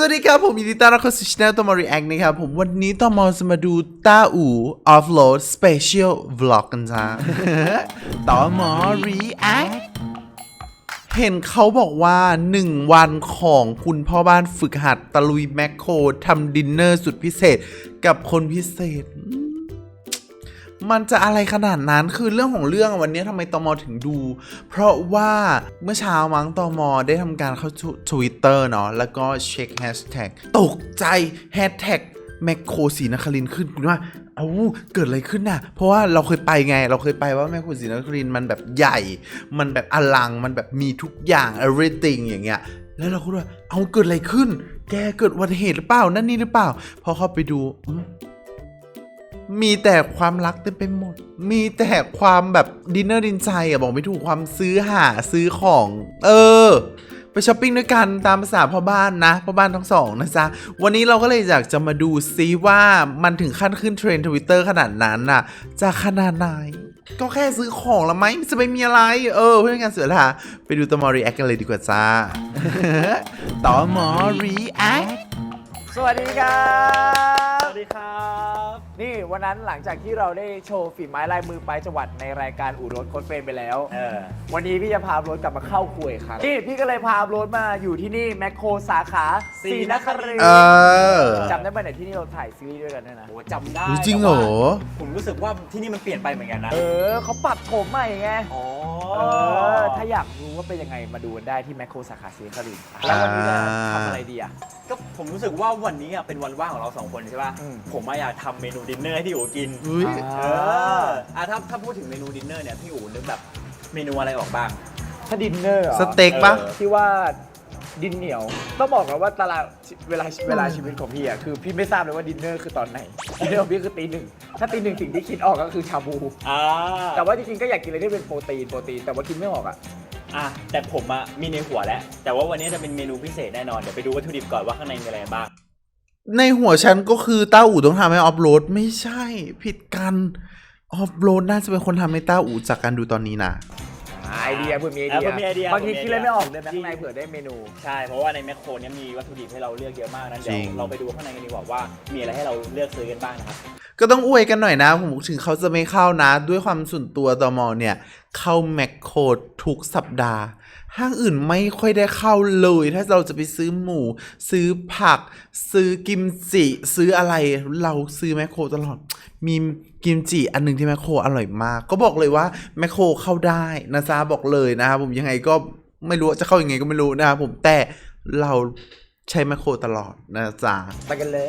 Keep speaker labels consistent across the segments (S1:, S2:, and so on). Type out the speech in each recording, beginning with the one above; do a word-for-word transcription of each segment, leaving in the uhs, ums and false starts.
S1: วัสดีครับผมยินดีต้อนรับเข้าสู่ช่องตอมอรีแอคนะครับผมวันนี้ตอมอจะมาดูต้าอู่ออฟโหลดสเปเชียลวล็อกกันจ้า ตอมอรีแอคเห็นเขาบอกว่าหนึ่งวันของคุณพ่อบ้านฝึกหัดตะลุยแมคโครทำดินเนอร์สุดพิเศษกับคนพิเศษมันจะอะไรขนาดนั้นคือเรื่องของเรื่องวันนี้ทำไมตมถึงดูเพราะว่าเมื่อเช้ามั้งตมได้ทำการเข้าทวิตเตอร์เนาะแล้วก็เช็คแฮชแท็กตกใจแฮชแท็กแมคโครศรีนครินทร์ขึ้นคุณว่าเอ้าเกิดอะไรขึ้นน่ะเพราะว่าเราเคยไปไงเราเคยไปว่าแมคโครศรีนครินทร์มันแบบใหญ่มันแบบอลังมันแบบมีทุกอย่าง everything อย่างเงี้ยแล้วเราก็ว่าเอาเกิดอะไรขึ้นแกเกิดอุบัติเหตุหรือเปล่านั่นนี่หรือเปล่าพอเข้าไปดูมีแต่ความรักเต็มไปหมดมีแต่ความแบบดินเนอร์ดินใจอะบอกไม่ถูกความซื้อหาซื้อของเออไปช้อปปิ้งด้วยกันตามภาษาพ่อบ้านนะพ่อบ้านทั้งสองนะจ๊ะวันนี้เราก็เลยอยากจะมาดูซิว่ามันถึงขั้นขึ้นเทรนด์ทวิตเตอร์ขนาดนั้นน่ะจะขนาดไหนก็แค่ซื้อของละไหมจะไปมีอะไรเออเพื่อนกันเสือละไปดูตอมอรีแอคกันเลยดีกว่าจ้า ตอมอรีแอค
S2: สวัสดีครับ
S3: สวัสดีครับ
S2: นี่วันนั้นหลังจากที่เราได้โชว์ฝีไม้ลายมือไปจังหวัดในรายการอู่รถโค้ดเฟรมไปแล้วเออวันนี้พี่จะพารถกลับมาเข้าคุยครับนี่พี่ก็เลยพารถมาอยู่ที่นี่แมคโครสาขาศรีนครินทร์จำได้ไหมเนี่ยที่นี่เราถ่ายซีรีส์ด้วยกันด้วยนะ
S3: โอ้จำได้
S1: จริงเหรอ
S3: ผมรู้สึกว่าที่นี่มันเปลี่ยนไปเหมือนกันนะ
S2: เออเขาปรับโฉมใหม่ไง
S3: อ๋อ
S2: เออถ้าอยากรู้ว่าเป็นยังไงมาดูกันได้ที่แมคโครสาขาศรีนครินทร์แล้ววันนี้จะทำอะไรดีอ่ะ
S3: ก็ผมรู้สึกว่าวันนี้เป็นวันว่างของเราสองคนใช่ป่ะผมอยากทำเมนูดินเนอร์ให้พี่อู๋กินเอออ่ะถ้าถ้าพูดถึงเมนูดินเนอร์เนี่ยพี่อู๋นึกแบบเมนูอะไรออกบ้าง
S2: ถ้าดินเนอร์
S1: สเต็กปะ
S2: ที่ว่าดินเหนียวต้องบอกกันว่าตารางเวลาเวลาชีวิตของพี่อ่ะคือพี่ไม่ทราบเลยว่าดินเนอร์คือตอนไหนดินเนอร์ของพี่คือตีหนึ่งถ้าตีหนึ่งสิ่งที่คิดออกก็คือชาบูแต่ว่าจริงๆก็อยากกินอะไรที่เป็นโปรตีนโปรตีนแต่ว่ากินไม่ออกอ่ะ
S3: อ่ะแต่ผมอะมีในหัวแล้วแต่ว่าวันนี้จะเป็นเมนูพิเศษแน่นอนเดี๋ยวไปดูวัตถุดิบก่อนว่าข้างในมีอะไรบ้าง
S1: ในหัวฉันก็คือต้าอู่ต้องทำให้ออฟโหลดไม่ใช่ผิดกันออฟโหลดน่าจะเป็นคนทำให้ต้าอู่จากการดูตอนนี้นะ
S2: ไอเดียเพื่อมีไอเดียบางทีคิดอะไรไม่ออกเลยข้างในเผื่อได้เมนู
S3: ใช่เพราะว่าในแมคโครนี้มีวัตถุดิบให้เราเลือกเยอะมากนั้นเดี๋ยวเราไปดูข้างในกันดีกว่าว่ามีอะไรให้เราเลือกซื้อกันบ้างนะครับ
S1: ก็ต้องอวยกันหน่อยนะผมถึงเขาจะไม่เข้านะด้วยความส่วนตัวตมเนี่ยเข้าแมคโครทุกสัปดาห์ห้างอื่นไม่ค่อยได้เข้าเลยถ้าเราจะไปซื้อหมูซื้อผักซื้อกิมจิซื้ออะไรเราซื้อแมคโครตลอดมีกิมจิอันหนึ่งที่แมคโครอร่อยมากก็บอกเลยว่าแมคโครเข้าได้นะจ๊ะบอกเลยนะครับผมยังไงก็ไม่รู้จะเข้ายังไงก็ไม่รู้นะครับผมแต่เราใช้แมคโครตลอดนะจ๊ะ
S2: ไปกันเลย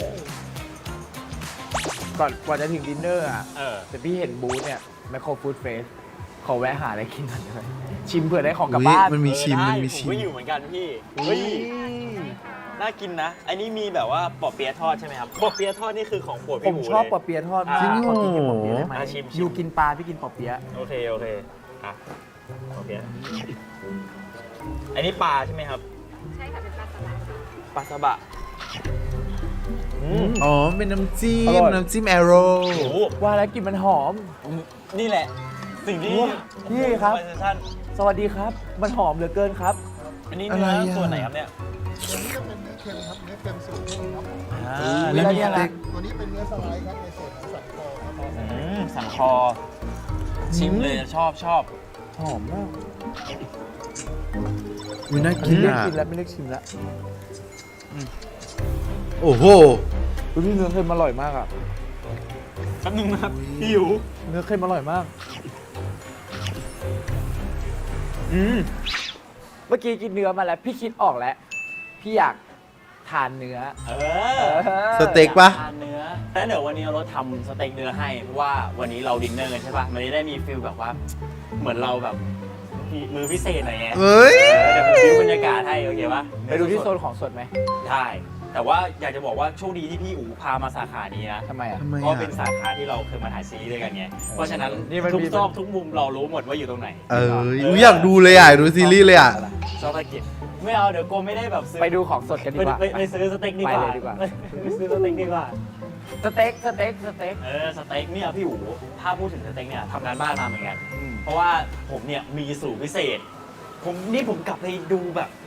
S2: ก่อนก่อนจะถึงดินเนอร์อ่ะแต่พี่เห็นบูธเนี่ยแมคโครฟู้ดเฟสขอแวะหาอะไรกินหน่อยได้ไหมชิมเผื่อได้ของกลับบ้าน
S1: มันมีชิมมันมีชิม
S3: ผมก็อยู่เหมือนกันพี่เฮ้ยน่ากินนะอันนี้มีแบบว่าปอเปี๊ยะทอดใช่ไหมครับปอเปี๊ยะทอดนี่คือของโปรดพี่
S2: ผมชอบปอเปี๊ยะทอด
S1: จริง
S2: เหรอกินปอเปี๊ยะได้ไหม
S3: ชิม
S2: อยู่กินปลาพี่กินปอเปี๊ยะ
S3: โอเคโอเคอ่ะปอเปี๊ยะอันนี้ปลาใช่ไหมครับ
S4: ใช่ค่ะเป็นปลาสบะ
S3: ปลาสบะ
S1: อ๋อเป็นน้ำจิ้มน้ำจิ้มแอโร่
S2: ว่าแล้วกลิ่นมันหอม
S3: นี่แหละสิ่งที่
S2: พี่ครับสวัสดีครับมันหอมเหลือเกินครับ
S3: อันนี้เนื้อส่วนไหนครับเนี่ย
S5: ตัวนี้เป็นเนื้อเค็มครับเนื้อเค็มสูตรเค็มครับ
S2: แล้วนี่อะไร
S5: ตัวนี้เป็นเนื้อสไลด์ครับในส่วนของสันคอครับ
S3: สันคอชิมเลยชอบชอบ
S2: หอมมาก
S1: อุ้ยน่ากินอ่ะ
S2: กินแล้วไม่เลือกชิมแล้ว
S1: โอ้โห
S2: พี่เนื้อเค็มอร่อยมากอ่ะ
S3: แป๊บนึงนะครับหิว
S2: เนื้อเค็มอร่อยมากอืมเมื่อกี้กินเนื้อมาแล้วพี่คิดออกแล้วพี่อยากทานเนื้อ
S3: เออ
S1: สเต็กปะ
S3: ทานเนื้อแล้วเดี๋ยววันนี้เราทำสเต็กเนื้อให้เพราะว่าวันนี้เราดินเนอร์กันใช่ปะมันจะได้มีฟิลแบบว่าเหมือนเราแบบมือพิเศษหน่อยไง
S1: เฮ้ย
S3: เดี๋ยวผมดูบรรยากาศให้โอเคปะ
S2: ไปดูที่โซนของสดไหม
S3: ได้แต่ว่าอยากจะบอกว่าโชคดีที่พี่อู๋พามาสาขานี้นะ
S2: ทำไมอ่ะ
S3: เพราะเป็นสาขาที่เราเคยมาถ่ายซีรีส์ด้วยกันไงเพราะฉะนั้นทุกซอกทุกมุมเรารู้หมดว่าอยู่ตรงไหน
S1: เอออยากดูเลยอ่ะดูซีรีส์เลยอ่ะ
S3: ชอบตะกิบไม่เอาเดี๋ยวโกไม่ได้แบบซื้อ
S2: ไปดูของสดกันดีกว่า
S3: ไปซื้อสเต็กดีกว่าไปซื้อสเต็กดีกว่า
S2: สเต็กสเต็กสเต็ก
S3: เออสเต็กเนี่ยพี่อู๋ถ้าพูดถึงสเต็กเนี่ยทำงานบ้านมาเหมือนกันเพราะว่าผมเนี่ยมีสูตรพิเศษผมนี่ผมกลับไปดูแบบ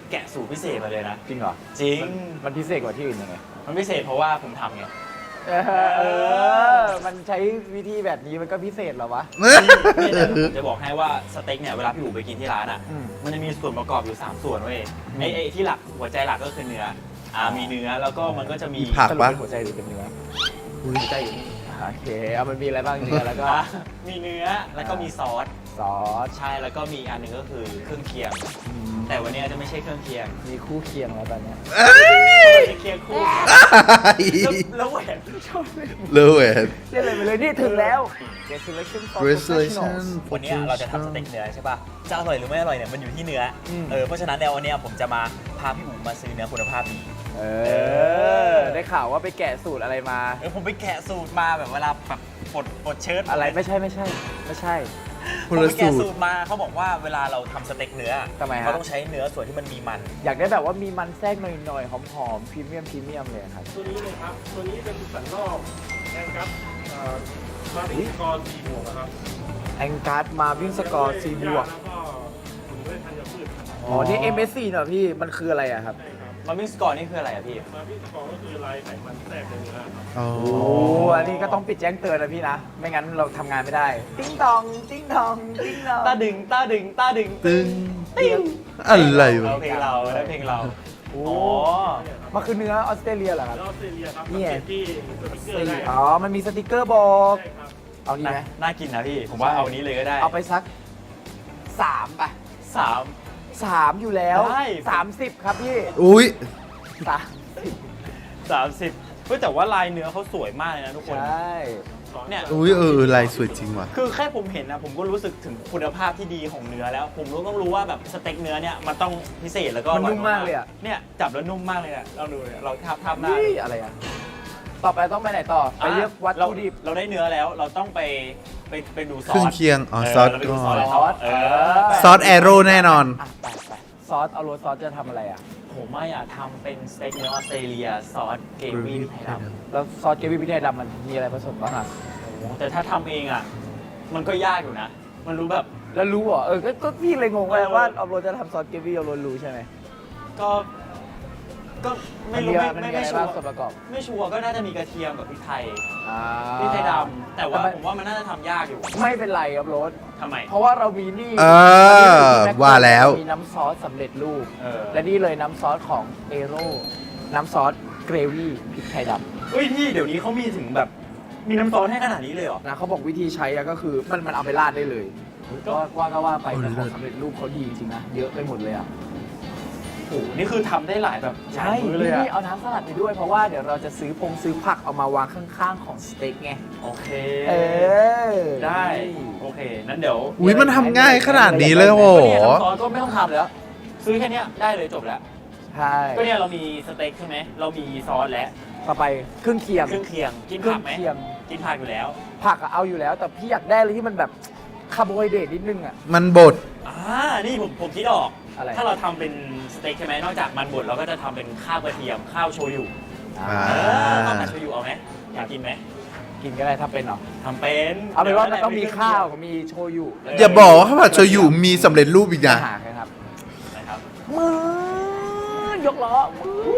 S3: แกะสูตรพิเศษมาเลยนะ
S2: จริงเหรอ
S3: จริง
S2: มันพิเศษกว่าที่อื่นยังไง
S3: มันพิเศษเพราะว่าผมทำไง
S2: เออเออ มันใช้วิธีแบบนี้มันก็พิเศษเหรอวะ
S3: นี่นะผมจะบอกให้ว่าสเต็กเนี่ยเวลาพี่อู๋ไปกินที่ร้านอ่ะ
S2: อืม
S3: มันจะมีส่วนประกอบอยู่สามส่วนเว้ยไอ้ไอ้ที่หลักหัวใจหลักก็คือเนื้ออ่ามีเนื้อแล้วก็มันก็จะมี
S1: มีผัก
S2: สรุปเป็นหัวใจหรือเป็นเนื้อหัวใจอยู่นี่โอเคเอามันมีอะไรบ้างเนื้อแล้วก็
S3: อ่ะมีเนื้อแล้วก็มีซอส
S2: ซอส
S3: ใช่แล้วก็มีอันหนึ่งก็คือเครื่องเคียง แต่วันนี้จะไม่ใช่เครื่องเคียง
S2: มีคู่เคียงแล้วตอนเนี้ย
S3: ไม่ใช่เคียงคู่แล้วแล้วแหวนชอบเลย
S1: เลเวท
S2: เรียกเลยไปเลยนี่ถึงแล้ว Get selection for
S1: Resolution
S2: professionals
S3: วันนี้เราจะทำสเต็กเนื้อใช่ป่ะจะอร่อยหรือไม่อร่อยเนี่ยมันอยู่ที่เนื้ออ
S2: ม
S3: เออเพราะฉะนั้นเนี่ยวันนี้ผมจะมาพาพี่อู๋มาซื้อเนื้อคุณภาพดี
S2: เออ ได้ข่าวว่าไปแกะสูตรอะไรมา
S3: เออผมไปแกะสูตรมาแบบเวลาแบบปลดปลดเชิ้ต
S2: อะไรไม่ใช่ไม่ใช่ ไม่ใช่
S1: ค
S3: ผม
S1: น
S3: ไป
S1: ละ
S3: แกะ
S1: สู
S3: สู
S1: ตร
S3: ตรมาเขาบอกว่าเวลาเราทำสเต็กเนื้อ
S2: ทำไมฮะ
S3: เขาต้องใช้เนื้อส่วนที่มันมีมัน
S2: อยากได้แบบว่ามีมันแทรกหน่อยๆ หอมๆ พรีเมียมพรีเมียมเลยครับ
S5: ตัวนี้เลยครับ ตัวนี้เป็นสันนอกแองกัสเอ่อมาวิ่งกรสี่บวกนะครับ
S2: แองการ์ดมาวิ่งสกอร์ซีบวก
S5: แล้วก็ถุงด้วยธัญพืชครับ
S2: อ๋อ นี่ เอ็ม เอส ซี เหรอพี่ มันคืออะไรอะครับ
S5: ใช่ครับ
S3: มาวิ่งสกอร์นี่คืออะไรอะพี่
S5: มาวิ่งกรก็คือลายไขมันแทรกในเนื้อครับ
S1: อ๋อ
S2: โอ้อันนี้ก็ต้องปิดแจ้งเตือนนะพี่นะ ไม่งั้นเราทำงานไม่ได้ ติ้งตอง ติ้งตอง ติ้งตอง
S3: ตาดึงตาดึงตาดึง
S1: ตึงอะไรวะ
S3: เราเพลงเราแล้วเพลงเรา
S2: โอ้
S3: อ๋อ
S2: มันคือเนื้อออสเตรเลียเหรอครับ
S5: แล้วออสเตรเลียครับ
S2: นี่ไง
S5: สังเกตที่สติ๊กเกอร์ได้
S2: อ๋อ มันมีสติกเกอร์บอก
S5: ใช่ครับ
S2: เอาดีไหม
S3: น่ากินนะพี่ ผมว่าเอานี้เลยก็ได้
S2: เอาไปสักสามไป
S3: สาม
S2: สามอยู่แล้ว
S3: ได้
S2: สามสิบครับพี่
S1: อุ้ย
S2: สามสิบ
S3: สามสิบเฮ้ยแต่ว่าลายเนื้อเขาสวยมากเลยนะทุกคน
S2: ใช่
S3: เนี่ย
S1: อุ้ยเออลายสวยจริงว่ะ
S3: คือแค่ผมเห็นนะผมก็รู้สึกถึงคุณภาพที่ดีของเนื้อแล้ว ผมรู้ต้องรู้ว่าแบบสเต็กเนื้อเนี่ยมันต้องพิเศษแล้วก็
S2: มันนุ่มมากเลยอะ
S3: เนี่ยจับแล้วนุ่มมากเลยอะเราดูเนี่ยเราทับทับหน้า
S2: นี่อะไรอ่ะ ต่อไปต้องไปไหนต่อ ไปเลือกวัตถุดิบ
S3: เราเราได้เนื้อแล้วเราต้องไปไปไปดูซอส
S1: เครื่องเคียงอ๋อซอส
S3: เราไปดู
S1: ก่อน
S3: ซอสเออ
S1: ซอสแอโร่แน่นอน
S2: อ่ะไปไปซอส เอาโรสซอสจะทำอะไรอ่ะ
S3: ผมว่าอยากทำเป็นสเต็กเนื้อออสเตรเลียซอสเกรวี่พริกไทยดำ
S2: แล้วซอสเกรวี่พริกไทยดำมันมีอะไรผสมบ้างอ่ะ
S3: แต่ถ้าทำเองอ่ะ มันก็ยากอยู่นะ มันรู้แบบ
S2: แล้วรู้เหรอ เออ ก็ก็พี่เลยงงเลยว่าเอาโรสจะทำซอสเกรวี่เอาโรสรู้ใช่ไหม
S3: ก็ ก็ไม่
S2: น
S3: รู้
S2: มี
S3: ไม่
S2: มัน
S3: ไม่
S2: มี
S3: ไม่
S2: อะไร
S3: ชัว
S2: บ้าง
S3: ร์
S2: ส่วนประกอบ
S3: ไม่ชัวร์ก็น่าจะมีกระเทียมกับพริกไทย
S2: อ่า
S3: พริกไทยดำแต่ว่า
S2: แต่มัน
S3: ผมว่ามันน่าจะทำยากอยู่
S2: ไม่เป็นไรครับโรส
S3: ทำไม
S2: เพราะว่าเรามีนี่
S1: เออว่าแล้ว
S2: มีน้ำซอสสำเร็จรูป
S3: เออ
S2: และนี่เลยน้ำซอสของเอโร่น้ำซอสเกรวี่พริกไทยดำ
S3: เฮ้ยพี่เดี๋ยวนี้เขามีถึงแบบ มีน้ำซอสให้ขนาดนี้เลยเหรอ
S2: นะเขาบอกวิธีใช้อะก็คือมันมันเอาไปราดได้เลย
S3: ก็
S2: ก็ว่าก็ว่าไป
S1: เอา
S2: แต่ข
S1: เลิ
S2: อง
S1: ศ
S2: สำเร็จรูปเขาดีจริงๆนะเยอะไปหมดเลยอ่ะ
S3: โอ้โหนี่คือทำได้หลายแบบหลา
S2: ใช่
S3: ยมื้อเลย
S2: นี่
S3: อะ
S2: เอาน้ำสลัดไปด้วยเพราะว่าเดี๋ยวเราจะซื้อพงซื้อผักเอามาวางข้างๆของสเต็กไง
S3: โอเค
S2: เออ
S3: ได้ โอเค นั้นเดี๋ยว
S1: อุ้ยมันทำง่ายขนาดนี้เลยโห
S3: ก็เนี่ยน้ำซอสก็ไม่ต้องทำแล้ว ซื้อแค่เนี้ยได้เลยจบแล้ว
S2: ใช่
S3: ก็เนี่ยเรามีสเต็กใช่ไหม เรามีซอสแล้ว
S2: ต่อไปเครื่องเคียง
S3: เครื่องเคียง กิน
S2: เครื่
S3: ผั
S2: อก ง
S3: ไหม
S2: เคียง
S3: กินผักอยู่แล้ว
S2: ผักอะเอาอยู่แล้ว แต่พี่อยากได้อะไรที่มันแบบคาร์โบไฮเดรตนิดนึงอ่ะ
S1: มันบด
S3: อ่า นี่ผมผมคิดออก
S2: อะไร
S3: ถ้าเราทำเป็นสเต็กใช่ไหมนอกจากมันบดเราก็จะทำเป็นข้าวกระเทียม ข้าวโชยุ
S1: อ่า
S3: เออข้าวผัดโชยุเอาไหมอยากกินไหม
S2: กินก็ได้ถ้าเป็นหรอ
S3: ทำเป็น
S2: เอาเป็นว่ามัน
S3: ดี๋ย
S2: ต้องมีข้าวกับมีโชยุ
S1: อย่าบอกว่าข้าวผัดโชยุมีสำเร็จรูปอีก
S2: จะ
S1: นะ
S2: หาใครครับ
S3: นะครับ
S2: มือยกล้อมือ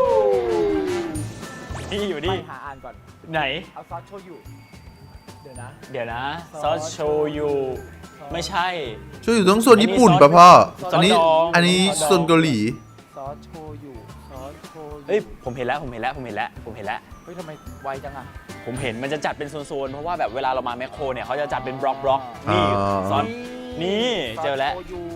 S3: นี่อยู่
S2: ไป
S3: นี่
S2: หาอ่านก่อน
S3: ไหน
S2: เอาซอสโชยุเดี๋ยวนะ
S3: เดี๋ยวนะ ซ
S2: ซ
S3: อ
S2: อ
S3: ส
S2: ส
S3: โชยุไม่ใช่
S1: โชยุต้องส่วนญี่ปุ่นป่ะพ่อ อันนี้
S3: ซอสดอง
S1: อันนี้
S3: ซอสดอง
S1: ส่วนเกาหลี
S2: ซอสโชยุซอสโชยุ
S3: เฮ้ยผมเห็นแล้วผมเห็นแล้วผมเห็นแล้วผมเห็นแล้ว
S2: เฮ้ยทำไมไวจังอ่ะ
S3: ผมเห็นมันจะจัดเป็นโซนๆเพราะว่าแบบเวลาเรามาแมคโครเนี่ยเขาจะจัดเป็นบล็อกบล็อกๆนี่
S1: อ๋อ
S3: ซอส นี่เจอแล้ว
S2: ซสโชยุ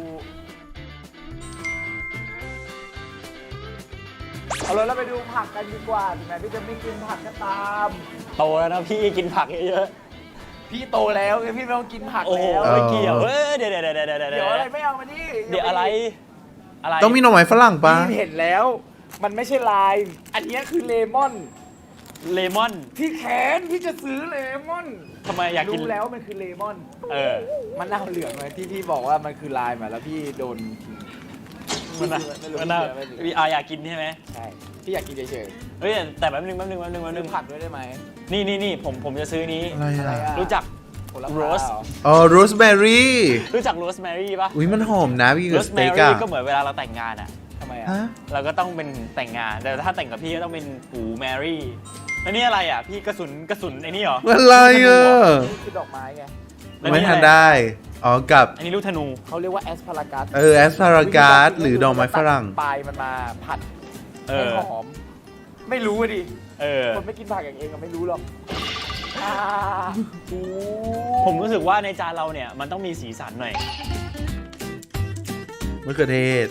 S2: เอาเลยเราไปดูผักกันดีกว่าถึงแม้พี่จะไม่กินผักก็ตาม
S3: โตแล้วนะพี่กินผักเยอะ
S2: พี่โตแล้วไงพี่ไม่ต้องกินผัก
S3: ๆโอ้โห
S2: แล้ว
S3: ไม่เกี่ยวเอ้ยเดี๋ยวเดี๋ยวเดี๋ยวเดี๋ยวเดี๋ยว
S2: เดี๋ยวอะไรไม่เอามานี่
S3: เดี๋ยวอะไรอะไร
S1: ต้องมีหน่อไม้ฝรั่งป่ะ
S2: พี่เห็นแล้ว มันไม่ใช่ลาย อันเนี้ยคือเลมอน
S3: เลมอน
S2: ที่แขนพี่จะซื้อเลมอน
S3: ทำไมอยากกิน
S2: รู้แล้วมันคือเลมอน
S3: เออ
S2: มันน่าเหลืองเลยที่พี่บอกว่ามันคือลายมาแล้วพี่โดน
S3: มันน่ะ
S2: ไม่รู้
S3: มันน่ะ
S2: ไม่รู้
S3: มีอาอยากกินใช่ไหม
S2: ใช่พี่อยากกินเฉย
S3: เฮ้ยแต่แป๊บนึงแป๊บนึงแป๊บนึงแป๊บ
S2: ๆ
S3: นึ
S2: ซื้อง ผักด้วยได้ไหม
S3: นี่นี่นี่ผมผมจะซื้อนี้
S1: อะไร
S2: อะไร
S1: อ่ะ
S2: อะ
S3: รู้จัก
S2: ผลไม้
S3: Rose
S2: เหรอ
S1: อ๋อโรสแมรี่
S3: รู้จักโรสแมรี่ปะ
S1: อุ้ยมันหอมนะพี่
S3: โร
S1: กับ
S3: ส
S1: ส
S3: แม
S1: เต็ก
S3: รี่
S1: อะ
S3: ก็เหมือนเวลาเราแต่งงานอะ
S2: ทำไม
S1: ฮะ
S3: เราก็ต้องเป็นแต่งงาน แต่ถ้าแต่งกับพี่ก็ต้องเป็นปู่แมรี่แล้วนี่อะไรอ่ะพี่กระสุนกระสุนไอ้นี่เหรอ
S1: อะไรอ่ะ
S2: นี่คือดอกไม้ไง
S3: แล้ว
S1: ไม่
S3: นี่
S1: ทัน
S3: อะไร
S1: ได้ อ๋อ กับ
S3: อันนี้ลูกธนู
S2: เขาเรียกว่าแอสพารากัส
S1: เออแอสพารากัสหรือดอกไม้ฝรั่ง
S2: ปลายมันมาผัด
S3: เอ
S2: ให้
S3: อ
S2: หอม ไม่รู้อะดิ
S3: เออ
S2: คนไม่กินผักอย่างเองก็ไม่รู้หรอกอ่าโอ้
S3: ผมรู้สึกว่าในจานเราเนี่ยมันต้องมีสีสันหน่อย
S1: มะเขือเทศ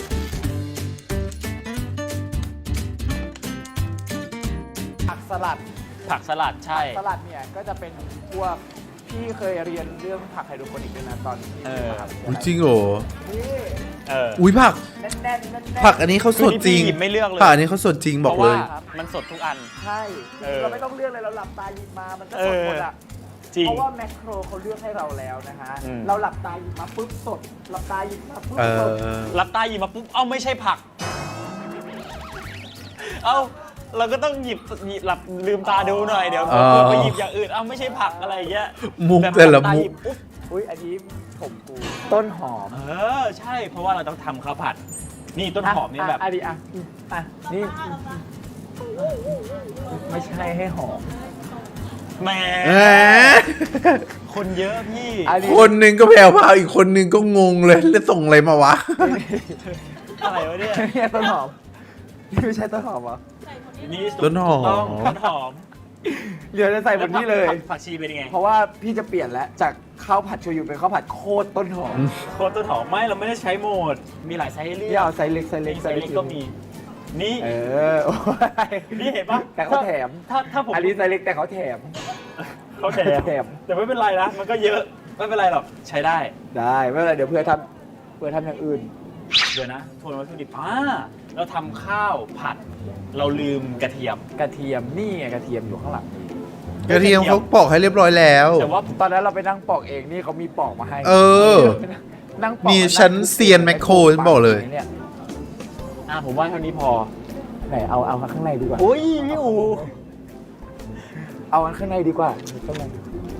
S2: ผักสลัด
S3: ผักสลัดใช่
S2: สลัดเนี่ยก็จะเป็นพวกพี่เคยเรียนเรื่องผักไฮโดรโปนิกด้วยนะตอนที่
S3: เออ
S2: มหาวิท
S1: อุ้ย
S2: ยาลัย
S1: จริงเหรอ
S2: นี่
S3: เออ
S1: อุ้ยผัก
S2: แน่นๆแน่นๆ
S1: ผักอันนี้เขาสดจริง
S3: คือนี่พี่หยิบไม่เลือกเลย
S1: ผักอันนี้เขาสดจริงบอก
S3: เพราะ
S1: เล
S3: ว่าย มันสดทุกอัน
S2: ใช่
S3: เออ
S2: เราไม่ต้องเลือกเลยเราหลับตาหยิบมามันก็
S3: เอ
S2: สด
S3: อ
S2: หมดอ่ะ
S3: จริง
S2: เพราะว่าแมคโครเขาเลือกให้เราแล้วนะฮะ
S3: อืม
S2: เราหลับตาหยิบมาปุ๊บสด หลับตาหยิบมาปุ๊บ
S1: เอ
S2: สด
S1: อ
S3: รับตาหยิบมาปุ๊บ เอ้าไม่ใช่ผัก เอ้าเราก็ต้องหยิบหยิบหลับลืมตาดูหน่อยเดี๋ยว
S1: อ๋อ
S3: เผื่อไปหยิบอย่างอื่น เอ้าไม่ใช่ผักอะไรอย่างเงี้ย
S1: มุก
S3: บบ
S1: แต่ละ
S3: หบตา
S1: มุ
S3: ห
S1: ก
S3: ยิบปุ๊บ
S2: อุ้ยอันนี้ผมกูต้นหอม
S3: เออใช่เพราะว่าเราต้องทำข้าวผัด นี่ต้นหอมนี่แบบ
S2: อ่ะดิอ่ะอ่ะนี่ไม่ใช่ให้หอม
S3: แหม
S1: แหม
S3: คนเยอะพี่
S2: อันนี้
S1: คนหนึ่งก็แผ่วพราวอีกคนหนึ่งก็งงเลยแล้วส่งอะไรมาวะ
S3: อะไรวะเนี่ย
S2: เนี่ยต้นหอมนี่ไม่ใช่ต้นหอมเหรอ
S3: นี่
S1: ต้นหอม
S3: ถูกต้องต้นหอม
S2: เดี๋ยวจะใส่บนนี้เลย
S3: ผักผักชีเป็นยังไง
S2: เพราะว่าพี่จะเปลี่ยนแล้วจากข้าวผัดโชยุเป็นข้าวผัดโคตรต้นหอม
S3: โคตรต้นหอมไม่เราไม่ได้ใช้โหมด มีหลายไซส์ให้เลื
S2: พี่
S3: อก
S2: เอาไซส์เล็กไซส์เล็ก
S3: ไซส์เล็กก็มี นี่
S2: เออโอ้ย
S3: นี่เห็นปะ
S2: แต่เขาแถม
S3: ถ้าถ้าผม
S2: อันนี้ไซส์เล็กแต่เขาแถม
S3: เขาแถม
S2: แถม
S3: แต่ไม่เป็นไรนะ มันก็เยอะ ไม่เป็นไรหรอก ใช้ได้
S2: ได้ไม่เป็นไรเดี๋ยวเพื่อทำเพื่อทำอย่างอื่น
S3: เดี๋ยวนะทวนวัตถุดิบอ่าเราทำข้าวผัด เราลืมกระเทียม
S2: กระเทียมนี่ไงกระเทียมอยู่ข้างหลังนี่
S1: กระเทียมเขาปอกให้เรียบร้อยแล้ว
S3: แต่ว่า
S2: ตอนนั้นเราไปนั่งปอกเองนี่เขามีปอกมาให้
S1: เออ
S2: นั่งปอก
S1: นี่ฉันเซียนแมคโครฉันบอกเลย
S2: นี่
S3: อ่าผมว่าเท่านี้พอ
S2: ไหนเอาเอาข้างในดีกว่า
S3: โอ้ยพี่อู
S2: เอาอันข้างในดีกว่าข้างใน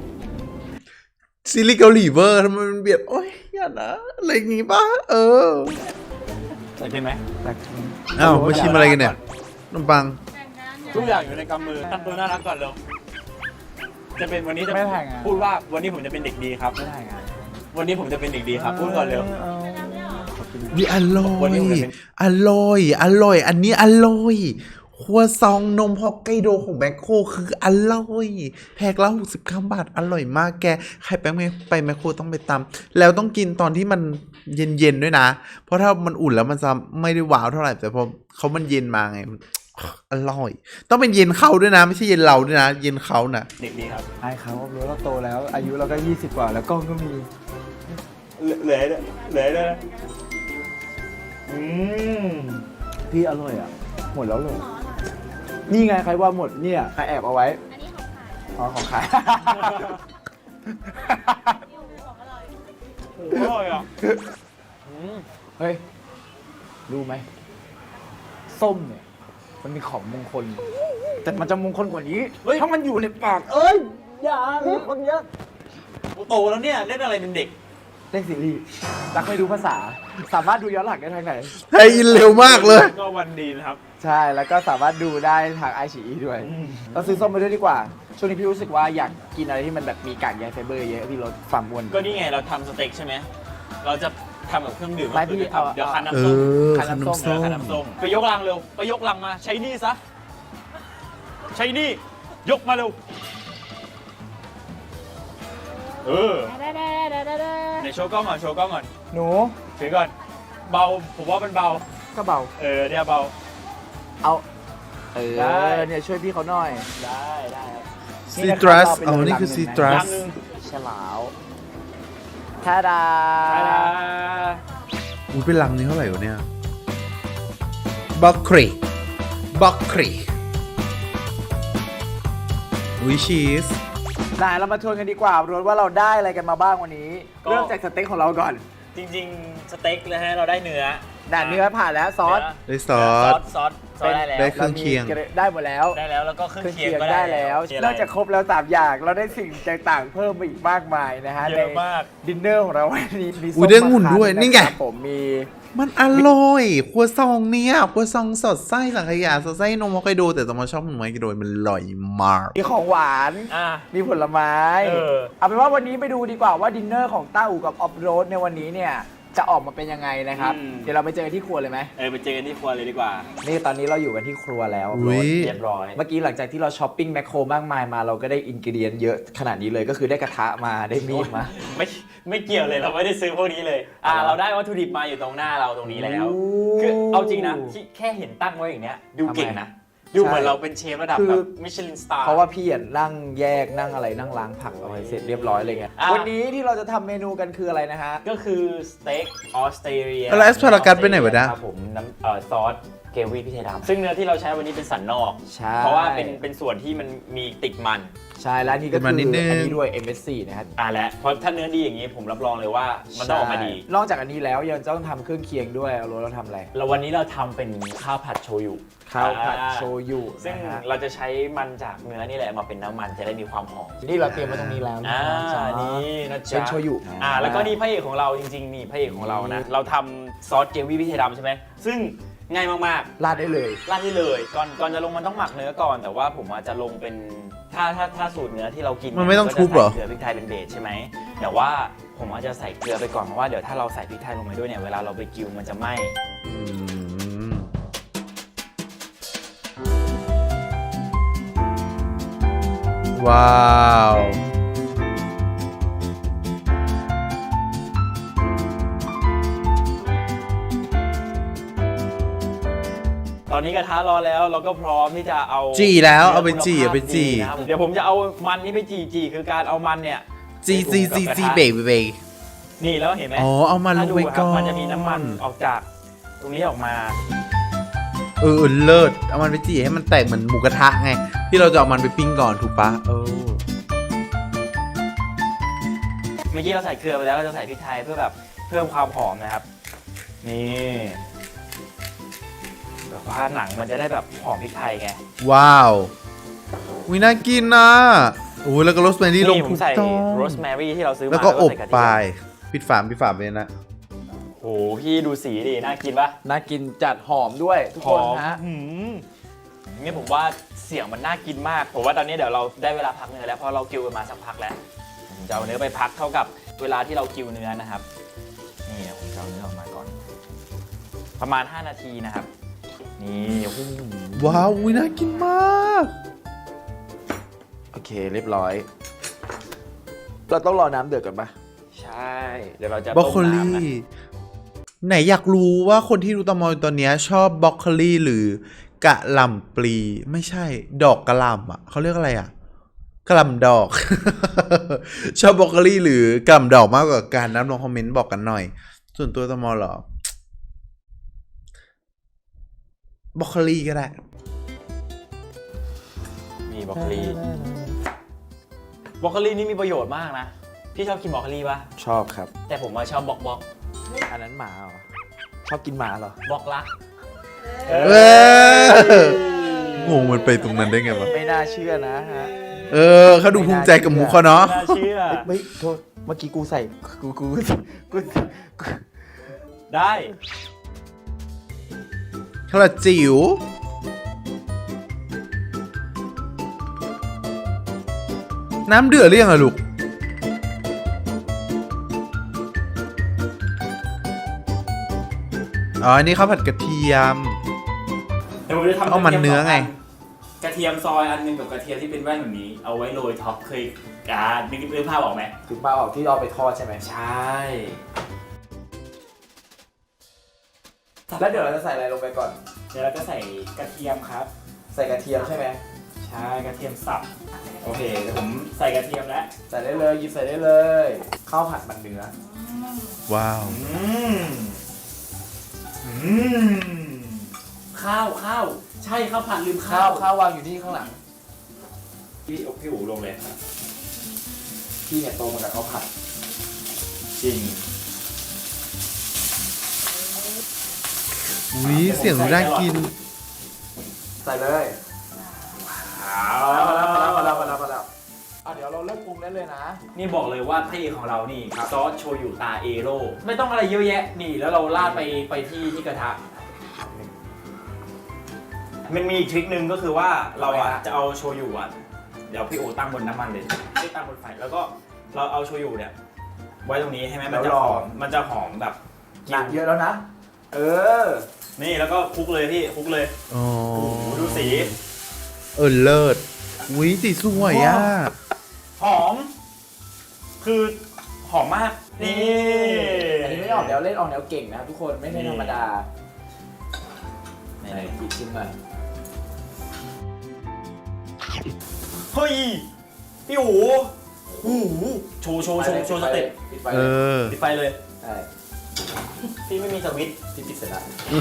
S1: ซีรีส์เกาหลีเวอร์ทำไมมันเบียดโอ้ยอย่านะอะไรอย่างงี้ป่ะเออ
S3: ใส่เป็นไหม
S1: อ้าวมาชิมอะไรกันเนี่ยขนมปัง
S3: ทุกอย่างอยู่ในกำมือทำตัวน่ารักก่อนเร็วจะเป็นวันนี้จะ
S2: ไม่ถ่ายงาน
S3: พูดว่าวันนี้ผมจะเป็นเด็กดีครับ
S2: ไม่ได้ไง
S3: วันนี้ผมจะเป็นเด็กดีครับ พูดก่อนเร็ว
S1: วิอร่อ
S3: วัน
S1: ย
S3: นี้ผมจะเป็น
S1: อร่อย อร่อย อันนี้อร่อยครัวซองนมฮอกไกโดของแบคโคคืออร่อย แพ็คละหกสิบเก้าบาท อร่อยมากแก ใครไปแมคไปแมคโครต้องไปตำแล้วต้องกินตอนที่มันเย็นๆด้วยนะ เพราะถ้ามันอุ่นแล้วมันจะไม่ได้ว้าวเท่าไหร่ แต่พอเขามันเย็นมาไงมันอร่อย ต้องเป็นเย็นเขาด้วยนะ ไม่ใช่เย็นเราด้วยนะ เย็นเขานะ
S3: เด็กดีครับ
S2: ไอ้เขารู้เราโตแล้ว อายุเราก็ยี่สิบกว่าแล้วกล้องก็มี
S3: เหลือเหลือเลยอืม
S2: พี่อร่อยอ่ะ หมดแล้วเลยนี่ไงใครว่าหมดเนี่ยใครแอบเอาไว้ อ๋อของใคร
S3: อร่อยอ่ะ
S2: เฮ้ย รู้ไหม ส้มเนี่ย มันมีของมงคล แต่มันจะมงคลกว่านี้ถ้ามันอยู่ในปาก เอ้ย อย่าเลยคนเยอะ
S3: โตแล้วเนี่ยเล่นอะไรเป็นเด็ก
S2: เล่นซีรีส์รักไม่รู้ภาษา สามารถดูย้อนหลังได้ทางไหน
S1: ไทยอินเร็วมากเลย
S3: ก็วันดีนะครับ
S2: ใช่ แล้วก็สามารถดูได้ทางไอชีอีด้วย
S3: อืม
S2: เราซื้อส้มไปด้วยดีกว่า ช่วงนี้พี่รู้สึกว่าอยากกินอะไรที่มันแบบมีกากใยไฟเบอร์เยอะพี่ลดความอ้วน
S3: ก็นี่ไงเราทำสเต็กใช่ไหม เราจะทำกับเครื่องดื่ม
S2: ไม่พี่
S3: ก็คือ
S2: เอา
S3: เดี๋ยวคั้น
S1: เอ
S3: น้ำส้ม
S1: อ
S2: คั้
S1: ข
S2: น
S1: น
S2: น้ำ
S1: ม
S2: ส้ม
S1: ส้
S3: เออ
S1: ม
S3: คั้นน้ำส้มไปยกลังเร็ว ไปยกลังมา ใช้นี่ซะ ใช้นี่ ยกมาเร็ว เออไหนโชว์กล้องก่อน โชว์กล้องก่อน
S2: หนู
S3: ถือก่อน เบา ผมว่ามันเบา
S2: ก็เบา
S3: เออเนี่ยเบา
S2: เอา เอ
S3: ได้
S2: อ เนี่ยช่วยพี่เขาหน่อย
S3: ได้ได้ครับ
S1: ซีตรัสอ๋อนี่คือซีตรั
S3: ลั
S1: ส
S3: งหนึง
S2: ฉลาวทาดา
S3: ได้ได้
S1: อุ้ยเป็นลังนี้เท่าไหร่วะเนี่ยบัคครีบัคครีอุ้ยชีส
S2: ได้เรามาทวนกันดีกว่ารวมว่าเราได้อะไรกันมาบ้างวันนี้ เริ่มจากสเต็กของเราก่อน
S3: จริงๆ สเต็กนะฮะ เราได้เนื้อ
S2: ด่านเนื้อผ่านแล้วซอส
S1: ได้ซอ
S3: ซอ
S1: ส
S3: ส ซอส ซอสได้แล้ว
S1: ได้เครื่องเคียง
S2: รามีได้หมดแล้ว
S3: ได้แล้ว แล้วก็เครื่อง
S2: เครื่อง
S3: เคีย
S2: เคี
S3: ง
S2: ยง
S3: ก็
S2: ได้แล้ว
S3: เคียง
S2: นอกจากครบแล้วสามอย่าง เราได้สิ่งต่างๆ เพิ่มมาอีกมากมายนะฮะ
S3: เยอะมาก
S2: ในดินเนอร์ของเราวันนี้มีส้
S1: อุ๊ยได้องุ่นด้วย
S2: มะขาม
S1: นี่ไง
S2: ะครับผมมี
S1: มันอร่อยครัวซองเนี่ยครัวซองสดไส้สังขยาสดไส้นมฮอกไกโดแต่ตอมอชอบนมฮอกไกโดมันอร่อยมาก
S2: มีของหวาน
S3: อ่ะ
S2: มีผลไม้
S3: เออ
S2: เอาเป็นว่าวันนี้ไปดูดีกว่าว่าดินเนอร์ของต้าอู่กับออฟโรดในวันนี้เนี่ยจะออกมาเป็นยังไงนะครับ
S3: อืม
S2: เดี๋ยวเราไปเจอกันที่ครัวเลยไหม
S3: เออไปเจอกันที่ครัวเลยดีกว่า
S2: นี่ตอนนี้เราอยู่กันที่ครัวแล้ว
S1: อุ๊ย
S3: เรียบร้อย
S2: เมื่อกี้หลังจากที่เราช้อปปิ้งแมคโครมากมายมาเราก็ได้อินกิเดียนเยอะขนาดนี้เลยก็คือได้กระทะมาได้มีดมา
S3: ไม่ไม่เกี่ยวเลยเราไม่ได้ซื้อพวกนี้เลย อ่า
S2: อ๋อ
S3: เราได้วัตถุดิบมาอยู่ตรงหน้าเราตรงนี้แล้ว
S2: โอ้
S3: คือเอาจริงนะที่แค่เห็นตั้งไว้อย่างเนี้ยดูเก่งนะ
S2: ทำไม
S3: ดูเหมือนเราเป็นเชฟระดับ
S2: คือ
S3: แบบมิชลินสตาร์
S2: เพราะว่าพี่อ่ะนั่งแยกนั่งอะไรนั่งล้างผักเอาไว้เสร็จเรียบร้อยเลยไง
S3: อ่ะ
S2: วันนี้ที่เราจะทำเมนูกันคืออะไรนะฮะ
S3: ก็คือสเต็กออสเตรเลีย
S1: แล้วแอสพารากัสไปไหนวะเนี่ย
S3: ครับผมน้ำเอ่อซอสเกวี่พริกไทยดำซึ่งเนื้อที่เราใช้วันนี้เป็นสันนอก
S2: ใช่
S3: เพราะว่าเป็นเป็นส่วนที่มันมีติดมัน
S2: ใช่แล้วนี่ก็
S1: เป็น
S2: คือ
S1: มั
S2: อั
S1: นนิดนึง
S2: นนี้ด้วย เอ็ม เอส ซี นะครับ
S3: อ่าและเพราะถ้าเนื้อดีอย่างนี้ผมรับรองเลยว่ามันต้องออกมาดี
S2: ใช่นอกจากอันนี้แล้วยังต้องทำเครื่องเคียงด้วยเอาโรสเราทำอะไร
S3: แล้ววันนี้เราทำเป็นข้าวผัดโชยุ
S2: ข้าวผัด
S3: อ่า
S2: โชยุ
S3: ซึ่ง
S2: นะฮะ
S3: เราจะใช้มันจากเนื้อนี่แหละมาเป็นน้ำมันจะได้มีความหอม
S2: นี่เราเตรียมไว้ตรงนี้แล้วนะ
S3: อ่า
S2: จ๊ะ
S3: นี่นะจ๊ะ
S2: เป็นโชยุ
S3: อ่าแล้วก็นี่พระเอกของเราจริงๆนี่พระเอกของเรานะเราทำซอสเกวี่พริกไทยดำใช่ไหมซึ่งง่ายมากๆ
S2: ราดได้เลย
S3: ราดได้เลยก่อนก่อนจะลงมันต้องหมักเนื้อก่อน แต่ว่าผมอาจจะลงเป็นถ้าถ้าถ้าสูตรเนื้อที่เรากิน
S1: มันไม่ต้อง
S3: ก็จะ
S1: ทุบเหรอ
S3: ใส่เกลือพริกไทยเป็นเบสใช่ไหมแต่ว่าผมอาจจะใส่เกลือไปก่อนเพราะว่าเดี๋ยวถ้าเราใส่พริกไทยลงไปด้วยเนี่ยเวลาเราไปกิวมันจะไหม้
S1: อืมว้าว
S3: ตอนนี้กระทะร้อนแล้วเราก็พร้อมที่จะเอา
S1: จี่แล้วเอาไปจี่
S3: นื้
S1: เอาไปจี่
S3: คุณภาพดีนะครับเดี๋ยวผมจะเอามันนี้ไปจี่จี่คือการเอามันเนี่ย
S1: จีจีจีจีเบย์เบย์
S3: นี่แล้วเห็นไหม
S1: อ๋อเอามันลงไป
S3: ถ้าดูครับ
S1: ก่อน
S3: มันจะมีน้ำมันออกจากตรงนี้ออกมา
S1: เออเออเลิศเอามันไปจี่ให้มันแตกเหมือนหมูกระทะไง ที่เราจะเอามันไปปิ้งก่อนถูกปะเออ
S3: เมื่อกี้เราใส่เกลือไปแล้วเราจะใส่พริกไทยเพื่อแบบเพิ่มความหอมนะครับ นี่แบบว่าหนังมันจะได้แบบหอมพริกไทยไง
S1: ว้าววิน่ากินนะโอ้ยแล้วก็โรสแมรี่ลง
S3: นี่ผ
S1: ทุ
S3: ม
S1: ก
S3: ใส่
S1: ต้อง
S3: โรสแมรี่ที่เราซื้อมา
S1: แล้วก็อบ
S3: ใส่ระ
S1: ไป
S3: เทียม
S1: ปิดฝาปิดฝาไปนะ
S3: โอ้โหพี่ดูสีดิน่ากินปะ
S2: น่ากินจัดหอมด้วยทุกคนฮะ
S3: หืมนี่ผมว่าเสียงมันน่ากินมาก ผมว่าตอนนี้เดี๋ยวเราได้เวลาพักเนื้อแล้วเพราะเรากิวกันมาสักพักแล้วผมจะเอาเนื้อไปพักเท่ากับเวลาที่เรากิวเนื้อนะครับ นี่ผมจะเอาเนื้อออกมาก่อน ประมาณ ห้า นาทีนะครับ นี่โอ้โห
S1: ว้าววิน่ากินมาก
S2: โอเคเรียบร้อย เราต้องรอน้ำเดือดก่อนปะ
S3: ใช่ เดี๋ยวเราจะ
S1: บรอก
S3: ต้ม
S1: โคลี
S3: น้ำนะ
S1: ไหนอยากรู้ว่าคนที่ดูตอมอตอนเนี้ยชอบบรอกโคลีหรือกะหล่ำปลีไม่ใช่ ดอกกะหล่ำอ่ะเขาเรียกอะไรอ่ะกะหล่ำดอก ชอบบรอกโคลีหรือกะหล่ำดอกมากกว่ากันนะลองคอมเมนต์บอกกันหน่อย ส่วนตัวตอมอเหรอบรอกโคลีก็ได้
S3: มีบรอกโคลีบรอกโคลีนี่มีประโยชน์มากนะ พี่ชอบกินบรอกโคลีปะ
S2: ชอบครับ
S3: แต่ผมมาชอบบอกบอก
S2: อันนั้นหมาเหรอ ชอบกินหมาเหรอ
S3: บอกรัก
S1: เอองงมันไปตรงนั้นได้ไงวะ
S2: ไม่น่าเชื่อนะฮะ
S1: เออเขาดูภูมิใจกับหมูเขาเนาะ
S3: น่าเชื่อ
S2: ไม่โทษเมื่อกี้กูใส่กูกูกูกู
S3: ได้
S1: ข้าวจิ๋วน้ำเดือดหรือยังอะลูก อ๋อ อันนี้ข้าวผัดกระเทียม
S3: เดี๋ยวผมจะทำ
S1: เอามันเนื้อไง
S3: กระเทียมซอยอันหนึงกับกระเทียมที่เป็นแว่นแบบนี้ เอาไว้โรยท็อปเคยอ่านึกนึกภาพออกไหม
S2: ถึงปลาออกที่เอาไปทอดใช่ไหม
S3: ใช่
S2: แล้วเดี๋ยวเราจะใส่อะไรลงไปก่อน
S3: เดี๋ยวเราจะใส่กระเทียมครับ
S2: ใส่กระเทียมใช่ไหม
S3: ใช่กระเทียมสับ โอเคเดี๋ยวผมใส่กระเทียมแล้ว
S2: ใส่ได้เลยหยิบใส่ได้เลยข้าวผัดมันเนื้อ
S1: ว้าว
S3: อืมอืมข้าวข้าวใช่ข้าวผัดลืม
S2: ข้า
S3: ข้าว ว
S2: ข้าววางอยู่ที่ข้างหลัง
S3: พี่อกพี่อูลงเลย
S2: พี่เนี่ยโตมากับข้าวผัด
S3: จริง
S1: อุ้ยเสียงน่ากิน
S2: ใส่เลย
S3: อ้า
S2: มาแล้วมาแล้วมาแล้วมาแล้วมาแล้วมาแล้วอ่ะเดี๋ยวเราเริ่มปรุงได้เลยนะ
S3: นี่บอกเลยว่าพระเอกของเรานี่ซอสโชยุตาเอโร่ไม่ต้องอะไรเยอะแยะนี่แล้วเราราดไปไปที่ที่กระทะมันมีอีกทริคนึงก็คือว่าเราอ่ะจะเอาโชยุอ่ะเดี๋ยวพี่โอตั้งบนน้ำมันเลยไม่ตั้งบนไฟแล้วก็เราเอาโชยุเนี่ยไว้ตรงนี้ใช่ไหมมันจะหอมมันจะหอมแบบ
S2: หนักเยอะแล้วนะ เออ
S3: นี่แล้วก็คลุกเลยพี่คลุกเลย
S1: อ๋อ
S3: โอ้โหดูสี
S1: เออเลิศอุ้ยสีสวยอ่ะ
S3: หอม คือหอมมากนี่
S2: อันนี้ไม่ได้ออกแนวเล่นออกแนวเก่งนะครับทุกคนไม่ใช่ธรรมดา
S3: ไหน
S2: ไหนอีกชิ้นหน่อย
S3: เฮ้ยพี่หูหูโชว์โชว์โชว์โชว์สเต็ป
S2: ปิดไฟ
S1: เอ
S2: เลย
S1: อ
S3: ปิดไฟเลย
S2: ใช่
S3: พี่ไม่มีสวิตช์
S2: ที่ปิดเสร็จแล้ว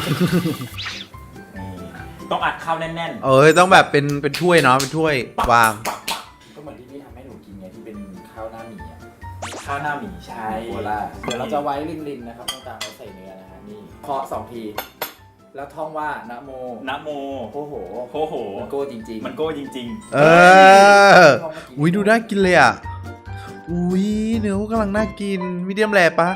S3: ต้องอัดข้าวแน่น
S1: เออต้องแบบเป็นเป็นถ้วยเนาะเป็นถ้วยวาง
S2: ก็เหมือนที่พี่ทำให้หนูกินไงที่เป็นข้าวหน้าหมี่อ่ะ
S3: ๆข้าวหน้าหมี่ใช่
S2: โคล่าเดี๋ยวเราจะไว้รินๆนะครับต้องตามไว้ใส่เนื้อนะฮะนี่เคาะสองที แล้วท่องว่านะโม
S3: นะโม
S2: โอ้โห
S3: โอ้โห
S2: มันโก้จริงๆ
S3: มันโก้จริง
S1: เอออุ้ยดูน่ากินเลยอ่ะอุ้ยเนื้อกำลังน่ากินมีเดียมแรปะ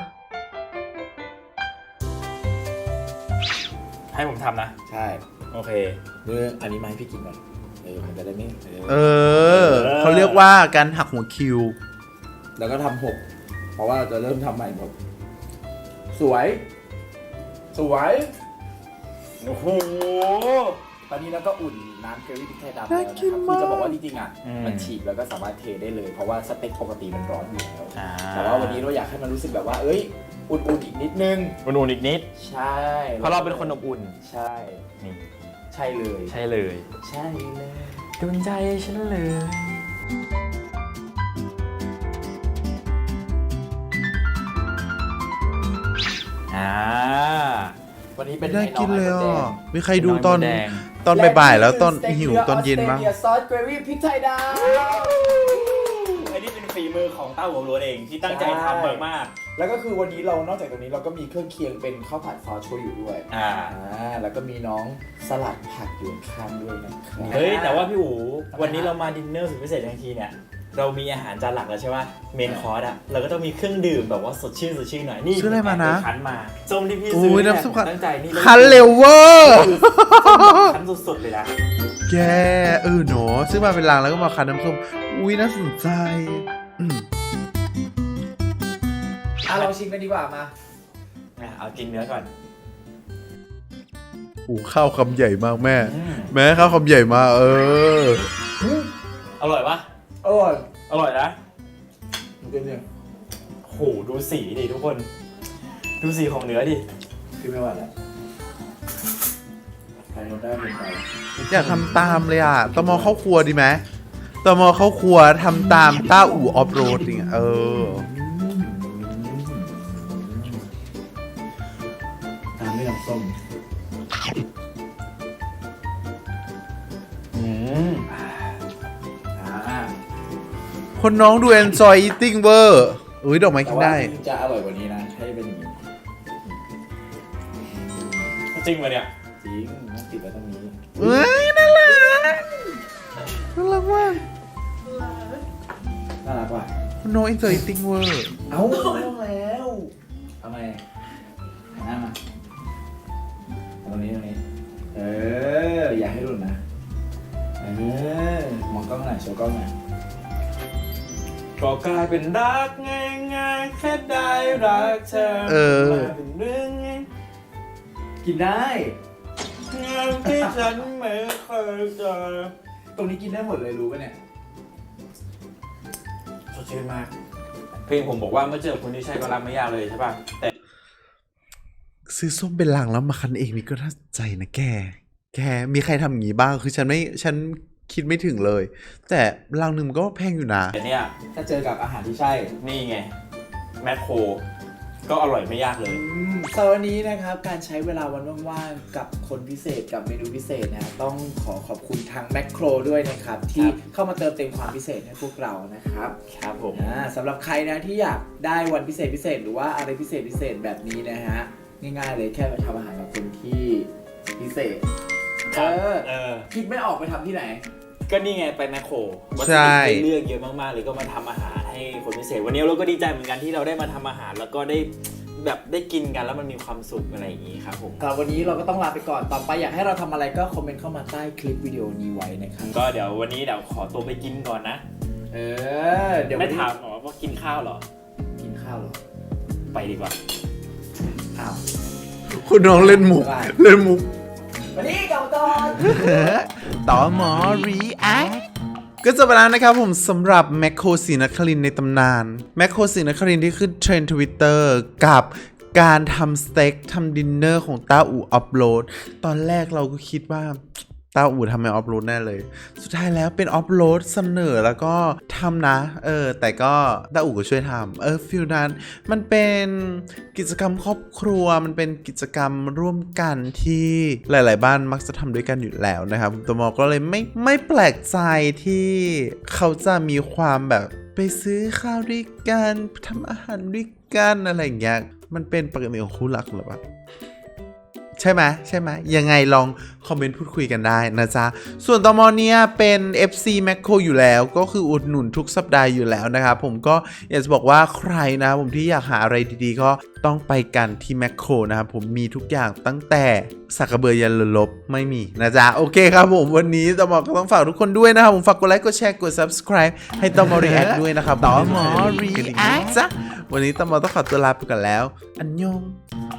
S3: ๆ ให้ผมทำนะ
S2: ใช่
S3: โอเค
S2: เนื้ออันนี้มาให้พี่กินก่อนเออมันจะได้ไม่เอ
S1: เอ
S2: อ
S1: อเขาเรียกว่าการหักหัวคิว
S2: แล้วก็ทำหกเพราะว่าเราจะเริ่มทำใหม่หมดสวย สวย
S3: โอ้โห
S2: ตอนนี้เราก็อุ่นน้ำเกรวี่พริกไทยดำแล้ว
S1: น่า
S2: นะ
S1: กิน
S2: ครับ
S1: มาก
S2: คือจะบอกว่าจริงๆอ่ะ
S3: อืม
S2: มันฉีกแล้วก็สามารถเทได้เลย เพราะว่าสเต็กปกติมันร้อนอยู่แล้ว
S3: อ่า
S2: แต่ว่าวันนี้เราอยากให้มันรู้สึกแบบว่า เอ้ย อุ่นๆอีกนิดนึง
S3: อุ่นๆอีกนิด
S2: ใช่
S3: เพราะเราเป็นคนอบอุ่น
S2: ใช่
S3: นี่
S2: ใช่เลย
S3: ใช่เลย
S2: ใช่เลย
S3: ดวงใจฉันเลย อ่า
S2: วันนี้เป็น
S1: น่ากินเลย
S2: ไข่
S1: อ่ะ
S2: ดง
S1: มีใครดูตอน
S3: น้ำมันแดง
S1: ตอนบ่ายๆแล้วตอนหิวตอนเย็นบ้าง
S2: และซอสเกรวี่พริกไทยดำ
S3: อันนี้เป็นฝีมือของเต้าหัวโล้นเองที่ตั้งใจทำมาก
S2: แล้วก็คือวันนี้เรานอกจากตรงนี้เราก็มีเครื่องเคียงเป็นข้าวผัดซอสโชยุด้วย
S3: ๆอ่า
S2: อ่าแล้วก็มีน้องสลัดผักอยู่ข้างด้วยนะครับ
S3: เฮ้ย แต่ว่าพี่อู๋วันนี้เรามาดินเนอร์สุดพิเศษทันทีเนี่ย เรามีอาหารจานหลักแล้วใช่ไหมเมนคอร์สอะเราก็ต้องมีเครื่องดื่มแบบว่าสดชื่นสดชื่นหน่อย นี่
S1: ซื้ออะไรมานะ
S3: คั้นมาส้มที่พี่
S1: อุ้
S3: ซื้อย
S1: น้ำส้มคั้น
S3: ตั้งใจนี่
S1: คันเร็วเวอร์
S3: คั้นสุดๆเลยนะ
S1: แกเออเนาะซื้อมาเป็นลังแล้วก็มาคั้นน้ำส้มอุ้ยน่าสนใจอืม
S2: อ่ะลองชิมกันดีกว่ามา
S3: อ่ะเอากินเนื้อก่อน
S1: โอ้ข้าวคำใหญ่มากแม่
S3: อืม
S1: แม่ข้าวคำใหญ่มากเออ
S3: อร่อยปะ
S2: อร่อย
S3: อร่อยนะ
S2: มันเป็นยัง
S3: โหดูสีดิทุกคน ดูสีของเนื้อดิ
S2: คือไม่ไหวแล้วใครโดนได้เป็นไป
S1: อยากทำตามเลยอ่ะตมเข้าครัวดีไหมตมเข้าครัวทำตามต้าอู่ออฟโรดอย่างเงี้ยเออ
S2: ตามด้วยน้ำส้ม
S3: อืม
S2: อ่า
S1: คนน้องดู enjoy eating เวอร์อุ้ยดอกไม้
S2: แต่
S1: กิน
S2: ว่า
S1: ได้
S2: จริงๆจะอร่อยกว่านี้นะให้เป็นอย่างนี้
S3: จริงปะเนี่ย
S2: จริงต้องติดไว้ตรงนี้
S1: เอ้ยน่ารักน่ารักมาก
S2: น่ารักว่ะ
S1: คนน้อง enjoy eating เวอร์
S2: เอ้าไม่ต้องแล้วทำไมหันหน้ามาเอาตรงนี้ตรงนี้ เออ อย่าให้หลุดนะ เออ มองกล้องหน่อยโชว์กล้องหน่อย
S3: ก็กลายเป็นรักง่ายๆแค่ได้รักเธอ
S1: เออ
S3: มาเป็นเรื่องง่าย
S2: กินได้
S3: งามที่ฉันไม่เคยเจอ
S2: ตรงนี้กินได้หมดเลยรู้ป่ะเนี่ย
S3: สดชื่นมาก เพลงผมบอกว่าเมื่อเจอคนที่ใช่ก็รักไม่ยากเลยใช่ป่ะ แต่
S1: ซื้อส้มเป็นลังแล้วมาคั้นเองนี่ก็น่าสนใจนะแก แกมีใครทำอย่างนี้บ้างคือฉันไม่ฉันคิดไม่ถึงเลย แต่ลังหนึ่งมันก็แพงอยู่นะ
S3: แต่เนี่ย
S2: ถ้าเจอกับอาหารที่ใช่
S3: นี่ไง แมคโคร ก็อร่อยไม่ยากเลย
S2: สำหรับวันนี้นะครับการใช้เวลาวันว่างๆกับคนพิเศษกับเมนูพิเศษนะต้องขอขอบคุณทางแมคโครด้วยนะครับที่เข้ามาเติมเต็มความพิเศษให้พวกเรานะครับ
S3: ครับผม
S2: อ่าสำหรับใครนะที่อยากได้วันพิเศษพิเศษหรือว่าอะไรพิเศษพิเศษแบบนี้นะฮะง่ายๆเลยแค่ไปทำอาหารกับคนที่พิเศษเออ
S3: เออ
S2: คิดไม่ออกไปทำที่ไหน
S3: ก็นี่ไงไปแมคโครวัตถุ
S1: ใช่
S3: ดิบให้เลือกเยอะมากๆเลยก็มาทำอาหารให้คนพิเศษวันนี้เราก็ดีใจเหมือนกันที่เราได้มาทำอาหารแล้วก็ได้แบบได้กินกันแล้วมันมีความสุขอะไรอย่างนี้ครับผม
S2: สำหรับวันนี้เราก็ต้องลาไปก่อนต่อไปอยากให้เราทำอะไรก็คอมเมนต์เข้ามาใต้คลิปวิดีโอนี้ไว้นะครับ
S3: ก็เดี๋ยววันนี้เดี๋ยวขอตัวไปกินก่อนนะ
S2: เออเดี๋ยว
S3: ไม่
S2: วันนี้
S3: ถามหรอว่ากินข้าวเหรอ
S2: กินข้าวเหรอ
S3: ไปดีกว่า
S2: อ้าว
S1: คุณน้องเล่นมุก
S2: ได้
S1: เล่นมุก
S2: วันนี้กลับก่อน
S1: ต่อหมอ react ก็จบไปแล้วนะครับผมสำหรับแมคโครศรีนครินทร์ในตำนานแมคโครศรีนครินทร์ที่ขึ้นเทรนด์ทวิตเตอร์กับการทำสเต็กทำดินเนอร์ของต้าอู่อัพโหลด ตอนแรกเราก็คิดว่าต้าอู่ทำไมอัพโหลดแน่เลย สุดท้ายแล้วเป็นอัพโหลดเสนอแล้วก็ทำนะ เออ แต่ก็ต้าอู่ก็ช่วยทำเออฟิลนั้นมันเป็นกิจกรรมครอบครัวมันเป็นกิจกรรมร่วมกันที่หลาย ๆ บ้านมักจะทำด้วยกันอยู่แล้วนะครับตัวมอก็เลยไม่ไม่แปลกใจที่เขาจะมีความแบบไปซื้อข้าวด้วยกันทำอาหารด้วยกันอะไรอย่างเงี้ยมันเป็นปกติของคู่รักหรือเปล่า ใช่ไหมใช่ไหมยังไงลองคอมเมนต์พูดคุยกันได้นะจ๊ะ ส่วนตมเนี่ยเป็น เอฟ ซี Macro อยู่แล้วก็คืออุดหนุนทุกสัปดาห์อยู่แล้วนะครับผมก็อยากจะบอกว่าใครนะผมที่อยากหาอะไรดีๆก็ต้องไปกันที่ Macro นะครับผมมีทุกอย่างตั้งแต่สักกระเบือยันลบไม่มีนะจ๊ะ โอเคครับผมวันนี้ตมก็ต้องฝากทุกคนด้วยนะครับผมฝากกดไลค์กดแชร์กด Subscribe ให้ตม React ด้วยนะครับตม React จ้ะวันนี้ตมต้องขอตัวลาไปก่อนแล้วอันยอง